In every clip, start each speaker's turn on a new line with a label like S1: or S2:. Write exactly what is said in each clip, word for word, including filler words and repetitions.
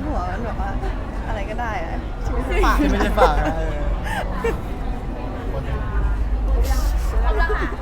S1: หัวมันแบบว่าอะไรก็ได้อะชีวิตฝาก
S2: ที่ไม่ใช่ฝากนะเออ
S3: เอาละค่ะ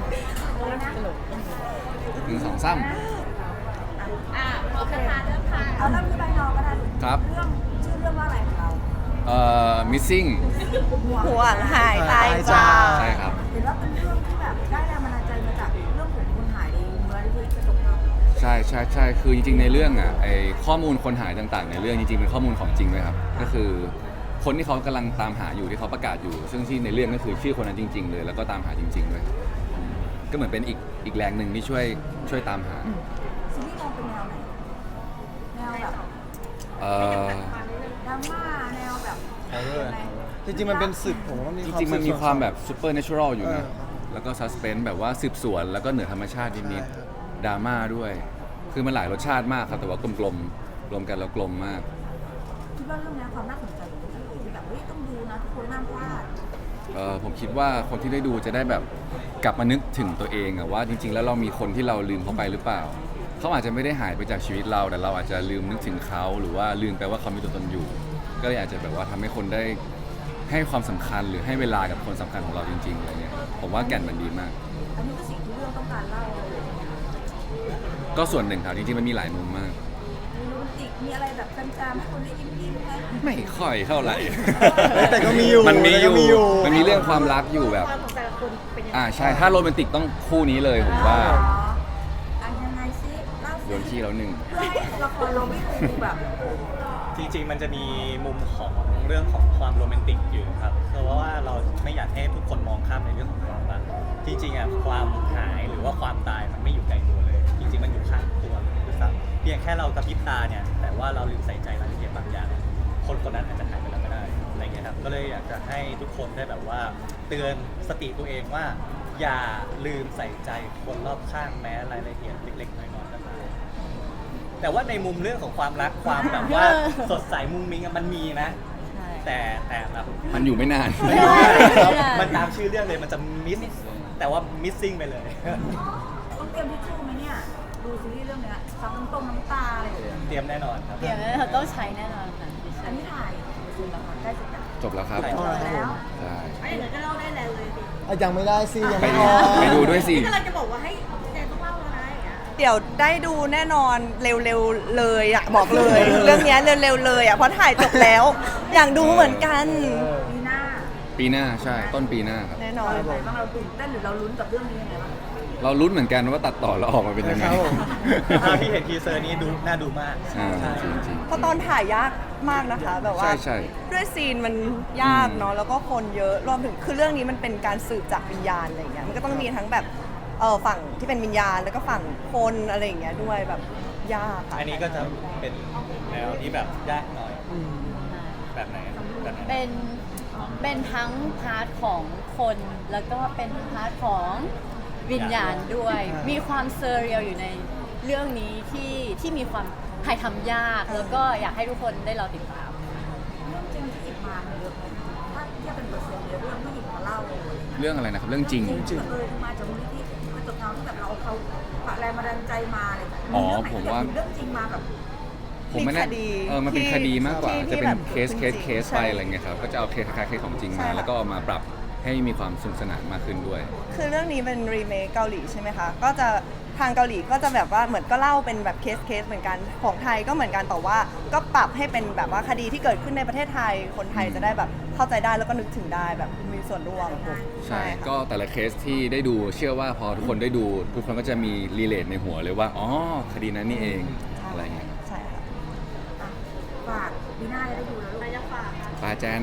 S4: หนึ่งสองสาม
S3: อ่าพร้อมนะคะเริ่มค่ะ
S5: เอาเริ่มที่ใบนอก็ได้
S4: ครับ
S5: เรื่องชื่อเรื่องว่าอะไรของเรา
S4: เอ่อ missing
S1: ห่วงหายตายจาก
S4: ใช่ครับ
S5: เห็นว่าเป็นเรื่องที่แบบได้แรงบันดาลใจมาจากเรื่องของคนหายในเมืองที่กระจกเงา
S4: ใช่ใช่ใช่คือจริงๆในเรื่องอ่ะไอข้อมูลคนหายต่างๆในเรื่องจริงๆเป็นข้อมูลของจริงเลยครับก็คือคนที่เขากำลังตามหาอยู่ที่เขาประกาศอยู่ ซึ่งที่ในเรื่องก็คือชื่อคนนั้นจริง ๆ เลยแล้วก็ตามหาจริงๆด้วยก็เหมือนเป็นอีกอีกแรงหนึ่งที่ช่วยช่วยตามหา
S5: ซีรีส์มองเป็นแนวไหนแนวแบบ
S4: เอ่อ
S5: ดราม่าแนวแบบ
S2: เอาด้วยจริงๆมันเป็นศึกผมว่ามี
S4: จริงๆมันมีความแบบซูเปอร์เนเชอรัลอยู่
S2: เอ
S4: นะ
S2: อ
S4: แล้วก็ซัสเพนส์แบบว่าสืบสวนแล้วก็เหนือธรรมชาตินิด
S2: ใช่ครับ
S4: ๆดราม่าด้วย คือมันหลายรสชาติมากครับแต่ว่ากลมๆรวมกันแล้วกลมมาก
S5: คิดว่าเรื่องนี้ความน่าสนใจอยู่ที่คือแบบเฮ้ยต้องดูนะทุกคนห้ามพลาด
S4: เออผมคิดว่าคนที่ได้ดูจะได้แบบกลับมานึกถึงตัวเองอะว่าจริง ๆ แล้วเรามีคนที่เราลืมเขาไปหรือเปล่า เขาอาจจะไม่ได้หายไปจากชีวิตเราแต่เราอาจจะลืมนึกถึงเขาหรือว่าลืมไปว่าเขามีตัวตนอยู่ ก็เลยอาจจะแบบว่าทำให้คนได้ให้ความสำคัญหรือให้เวลากับคนสำคัญของเราจริงๆอะไรเงี้ยผมว่าแก่นมันดีมาก
S5: อันนี้ก็สิ่งที่เรื่องต้องการเล่าเลย
S4: ก็ส่วนหนึ่งครับจริงๆมันมีหลายมุมมาก
S5: มีโรแมนติกมีอะไรแบบจำๆให้คนได้ยิ้มยิ้มไหม
S4: ไม่ค่อยเท่าไหร่
S2: แต่ก็มีอยู่
S4: มันมีอยู่
S2: แต่ก็มีอยู่
S4: มันมีเรื่องความรักอยู่แบบ
S3: ความของแต่ละคนเป็นยังไง
S4: อ่าใช่ ถ้าโรแมนติกต้องคู่นี้เลยผมว่า
S5: อ๋ออันยังไงซิเล่า
S4: โย
S5: ซิ
S4: นขี้แล้วหนึ่ง
S5: เพื่อให้ละครเราไม่ดูแบบ
S6: จริงๆ มันจะมีมุมของเรื่องของความโรแมนติกอยู่ครับเพราะว่าเราไม่อยากให้ทุกคนมองข้ามในเรื่องของความรักจริงๆอ่ะความหายหรือว่าความตายมันไม่อยู่ไกลตัวเลย จริงๆ มันอยู่ข้างตัวด้วยซ้ำเพียงแค่เรากระพริบตาเนี่ยแต่ว่าเราลืมใส่ใจรายละเอียดบางอย่าง คนคนนั้นอาจจะหายไปแล้วก็ได้อะไรเงี้ยครับก็เลยอยากจะให้ทุกคนได้แบบว่าเตือนสติตัวเองว่า อย่าลืมใส่ใจคนรอบข้างแม้รายละเอียดเล็กๆน้อยๆก็ตามแต่ว่าในมุมเรื่องของความรักความแบบว่าสดใสมุ้งมิ้งอะมันมีนะ แต่แต่แบบ
S4: มันอยู่ไม่นาน
S6: มันอยู่ไม่ได้มันตามชื่อเรื่องเลยมันจะมิสแต่ว่า missing ไปเลย
S5: ต้องเตรียมทิชชู่ไหมเนี่ยดูซีรีส์เรื่องเนี้ยซับน้ำตรงน้ำตาอะไรอย่างเงี้ย
S6: เตรียมแน่นอนครับ
S3: เดี๋ยวเราต้องใช้แน่นอนค่ะ
S5: อันนี้ถ่ายสุดแล้วค่ะใกล้เสร็จแล้ว
S4: จบแล้วครับ
S2: อ๋อครับผม
S4: ใช่
S3: ไอ้เดี๋ยวก็เล่าได้แล้วเลยสิ
S2: อ่ะยังไม่ได้สิยัง
S4: ไป
S2: ไม่
S4: ดู
S2: พอ
S4: ไปดูด้วยสิ
S3: นี่กำลังจะบอกว่าให้แจนต้องเล่าแล้วนะอย่างเงี้ย
S1: เดี๋ยวได้ดูแน่นอนเร็วๆเลยอะบอกเลย เรื่องเนี้ยเร็วๆเลยอะเพราะถ่ายจบแล้ว อยากดูเหมือนกัน
S5: ปีหน้า
S4: ปีหน้าใช่ต้นปีหน้าครับ
S1: แน่นอน
S5: อะไรบ้างเราตื่นเต้นหรือเราลุ้นกับเรื่องนี้ยังไงบ้าง
S4: เราลุ้นเหมือนกันว่าตัดต่อแล้วออกมาเป็นยังไง
S2: ครับผม
S6: ถ้าที่เห็นทีเซอร์นี้ดูน่าดูมาก
S4: อ่า
S6: ใช่
S4: จริง
S1: เพราะตอนถ่ายยากมากนะคะ แบบว่า
S4: ใช่ใช่
S1: ด้วยซีนมันยากเนาะแล้วก็คนเยอะรวมถึงคือเรื่องนี้มันเป็นการสืบจากวิญญาณอะไรอย่างเงี้ยมันก็ต้องมีทั้งแบบเออฝั่งที่เป็นวิญญาณแล้วก็ฝั่งคนอะไรอย่างเงี้ยด้วยแบบยากค่ะ
S6: อันนี้ก็จะเป็นแนวที่แบบยากหน่อยแบบไหนแบบไหน
S3: เป็นเป็นทั้งพาร์ทของคนแล้วก็เป็นพาร์ทของวิญญาณด้วย มีความเซอร์เรียลอยู่ในเรื่องนี้ที่ที่มีความถ่ายทำยากแล้วก็อยากให้ทุกคนได้รอติดตาม
S5: เรื่องจริงที่หยิบมามันเยอะไหมถ้าเทียบเป็นเปอร์เซ็นต์เยอะเรื่องที่หยิบมาเล่าเลย
S4: เรื่องอะไรนะครับเรื่องจริง
S5: จริงเออมาจากมูลนิธิกระจกเงาที่แบบเราเอาเขาฝากแรงบันดาลใจมาอะไรแบบนี้
S4: อ๋อ
S5: เรื่องไหน
S4: ผม
S5: ที่
S4: ว่า
S5: แบบเรื่องจริงมาแบบ
S4: ผมไม่แน่
S1: มีคดี
S4: เออมันเป็น
S1: ที่
S4: คดีมากกว่า
S1: ที่
S4: จะเป็น
S1: แบบ
S4: เคสเคส
S1: จริงๆ
S4: เคส
S1: ใช่
S4: ไปอะไรเงี้ยครับก็จะเอาเคสคล้ายๆเคสของจริง
S1: ใช่
S4: มา
S1: ค่ะ
S4: แล้วก็เอามาปรับให้มีความสนุกสนานมากขึ้นด้วย
S1: คือเรื่องนี้เป็นรีเมคเกาหลีใช่ไหมคะ ก็จะทางเกาหลีก็จะแบบว่าเหมือนก็เล่าเป็นแบบเคสเคสเหมือนกัน ของไทยก็เหมือนกันแต่ว่าก็ปรับให้เป็นแบบว่าคดีที่เกิดขึ้นในประเทศไทย คนไทยจะได้แบบเข้าใจได้แล้วก็นึกถึงได้แบบมีส่วนร่วม
S4: ใช่
S1: ค่ะ
S4: ก็แต่ละเคสที่ได้ดูเชื่อว่าพอทุกคนได้ดู ทุกคนก็จะมีรีเลทในหัวเลยว่า อ๋อ คดีนั้นนี่เองอะไรเงี้ย
S1: ใช่ค่ะ
S5: อ่ะฝากปีหน้าจะได้ดูแล้วลูก
S3: ใครจะฝาก
S4: ปาแจน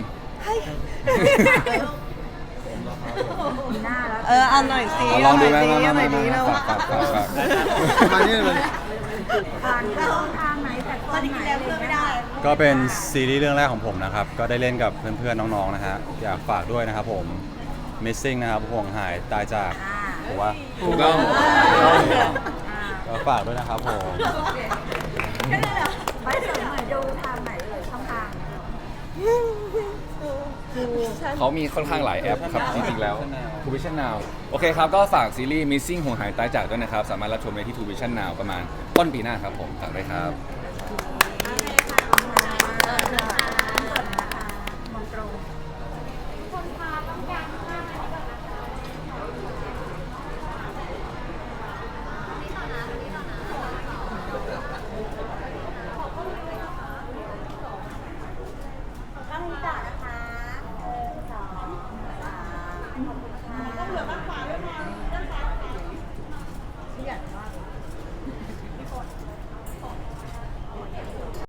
S5: ปีหน้าแล้ว
S1: เออเอาหน่อยสิ
S4: เอาลองดูไหม
S1: เอาหน่อยสิ
S4: มา
S1: เอาห
S4: มา
S1: น่อย
S4: มา
S1: สิ
S4: มา
S1: เรา
S4: ฝากฝากฝากฝาก
S2: ประมาณนี้เลย
S5: ผ่านช่องทางไหนแต่ตอนไหนอะไรอย่างเงี้ย
S7: ก็เป็นซีรีส์เรื่องแรกของผมนะครับ ก็ได้เล่นกับเพื่อนๆ น้องๆ นะฮะ อยากฝากด้วยนะครับผม Missing นะครับห่วงหายตายจาก
S5: อ่า
S7: ผมว่า
S4: ถูกต้อง
S5: อ่า
S7: ก็ฝากด้วยนะครับผม
S5: ไปเสริมหน่อยดูทางไหนเลยช่องทาง
S4: เขามีค่อนข้างหลายแอปครับ จริงๆแล้ว ทู วิชั่น นาว โอเคครับ ก็ฝากซีรีส์ Missing ห่วงหายตายจากด้วยนะครับ สามารถรับชมได้ที่ ทู วิชั่น นาว ประมาณต้นปีหน้าครับผมฝากด้วยครับ
S5: โอเคค่ะมองตรง
S8: ต้องมีต่อนะคะเออสองสามขอบคุณค่ะต้องเหลือบ้างขวาด้วยนะเรื่องซ้ายค่ะที่ใหญ่มาก